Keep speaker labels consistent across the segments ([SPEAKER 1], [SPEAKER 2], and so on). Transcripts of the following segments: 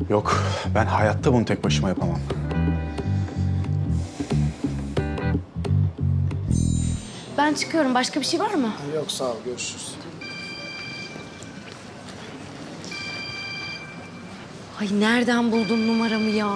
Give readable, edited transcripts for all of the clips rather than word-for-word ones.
[SPEAKER 1] Yok, ben hayatta bunu tek başıma yapamam.
[SPEAKER 2] Ben çıkıyorum. Başka bir şey var mı?
[SPEAKER 3] Yok sağ ol, görüşürüz.
[SPEAKER 2] Ay nereden buldun numaramı ya?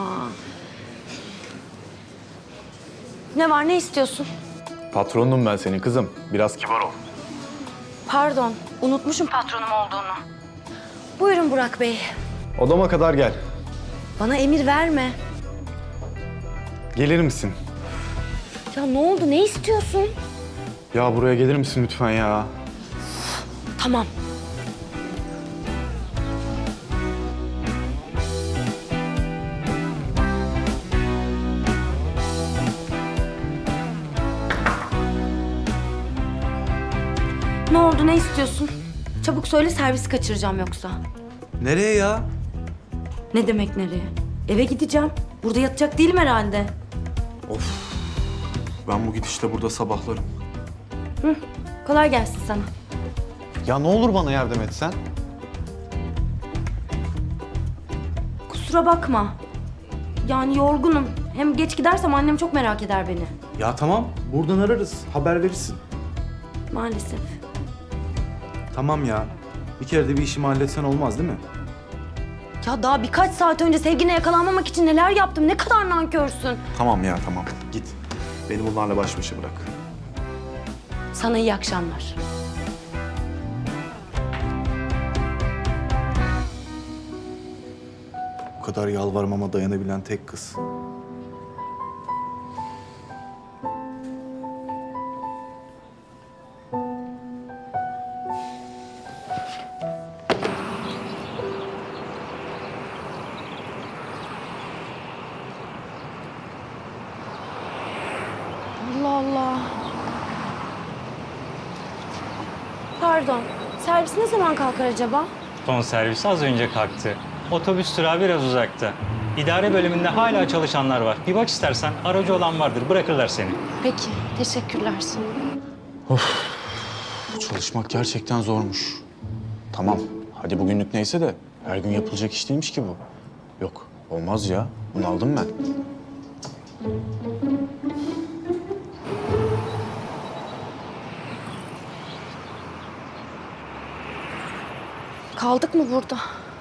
[SPEAKER 2] Ne var, ne istiyorsun?
[SPEAKER 1] Patronum ben senin kızım. Biraz kibar ol.
[SPEAKER 2] Pardon, unutmuşum patronum olduğunu. Buyurun Burak Bey.
[SPEAKER 1] Odama kadar gel.
[SPEAKER 2] Bana emir verme.
[SPEAKER 1] Gelir misin?
[SPEAKER 2] Ya ne oldu, ne istiyorsun?
[SPEAKER 1] Ya buraya gelir misin lütfen ya?
[SPEAKER 2] Tamam. Ne oldu, ne istiyorsun? Çabuk söyle, servisi kaçıracağım yoksa.
[SPEAKER 1] Nereye ya?
[SPEAKER 2] Ne demek nereye? Eve gideceğim. Burada yatacak değilim herhalde.
[SPEAKER 1] Ben bu gidişle burada sabahlarım.
[SPEAKER 2] Kolay gelsin sana.
[SPEAKER 1] Ya ne olur bana yardım etsen?
[SPEAKER 2] Kusura bakma. Yani yorgunum. Hem geç gidersem annem çok merak eder beni.
[SPEAKER 1] Ya tamam, buradan ararız. Haber verirsin.
[SPEAKER 2] Maalesef.
[SPEAKER 1] Tamam ya. Bir kere de bir işimi halletsen olmaz değil mi?
[SPEAKER 2] Ya daha birkaç saat önce sevgine yakalanmamak için neler yaptım. Ne kadar nankörsün.
[SPEAKER 1] Tamam ya, tamam. Git. Beni bunlarla baş başa bırak.
[SPEAKER 2] Sana iyi akşamlar.
[SPEAKER 1] Bu kadar yalvarmama dayanabilen tek kız.
[SPEAKER 2] Allah Allah. Pardon. Servis ne zaman kalkar acaba?
[SPEAKER 4] Son servisi az önce kalktı. Otobüs durağı biraz uzakta. İdare bölümünde hala çalışanlar var. Bir bak istersen, aracı olan vardır. Bırakırlar seni.
[SPEAKER 2] Peki. Teşekkürler.
[SPEAKER 1] Çalışmak gerçekten zormuş. Tamam, hadi bugünlük neyse de her gün yapılacak iş değilmiş ki bu. Yok, olmaz ya. Bunaldım ben.
[SPEAKER 2] Kaldık mı burada?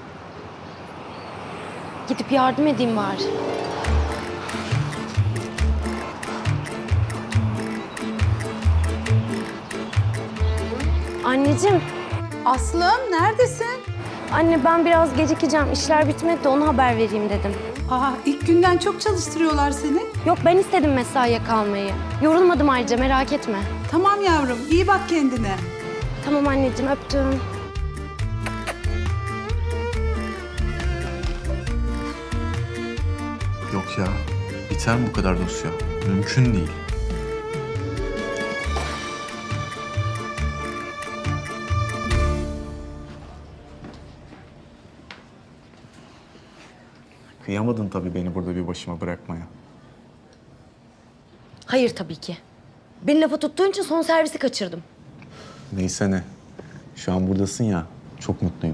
[SPEAKER 2] Gidip yardım edeyim bari. Anneciğim,
[SPEAKER 5] Aslım neredesin?
[SPEAKER 2] anne ben biraz gecikeceğim. İşler bitmedi de ona haber vereyim dedim.
[SPEAKER 5] Aa, ilk günden çok çalıştırıyorlar seni.
[SPEAKER 2] Yok ben istedim mesaiye kalmayı. Yorulmadım ayrıca merak etme.
[SPEAKER 5] Tamam yavrum, iyi bak kendine.
[SPEAKER 2] Tamam anneciğim öptüm.
[SPEAKER 1] Yok ya, biter mi bu kadar dosya? Mümkün değil. Kıyamadın tabii beni burada bir başıma bırakmaya.
[SPEAKER 2] Hayır tabii ki. Beni lafa tuttuğun için son servisi kaçırdım.
[SPEAKER 1] Neyse ne. Şu an buradasın ya, çok mutluyum.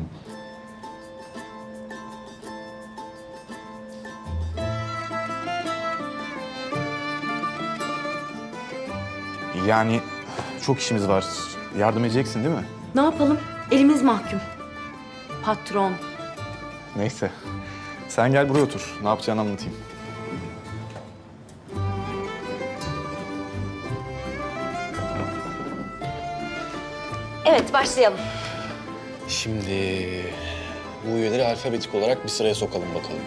[SPEAKER 1] Yani çok işimiz var. Yardım edeceksin değil mi?
[SPEAKER 2] Ne yapalım? Elimiz mahkum. Patron.
[SPEAKER 1] Neyse. Sen gel buraya otur. Ne yapacağını anlatayım.
[SPEAKER 2] Evet başlayalım.
[SPEAKER 3] Şimdi bu üyeleri alfabetik olarak bir sıraya sokalım bakalım.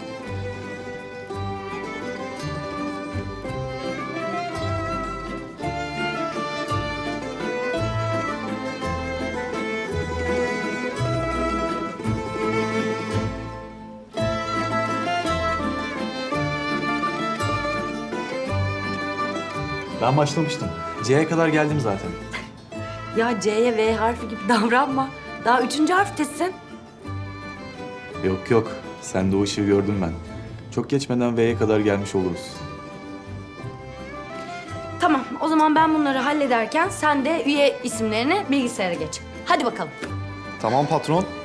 [SPEAKER 1] Ben başlamıştım. C'ye kadar geldim zaten.
[SPEAKER 2] Ya C'ye V harfi gibi davranma. Daha 3. harftesin.
[SPEAKER 1] Yok yok. Sen de o ışığı gördüm ben. Çok geçmeden V'ye kadar gelmiş oluruz.
[SPEAKER 2] Tamam o zaman ben bunları hallederken sen de üye isimlerini bilgisayara geç. Hadi bakalım.
[SPEAKER 1] Tamam patron.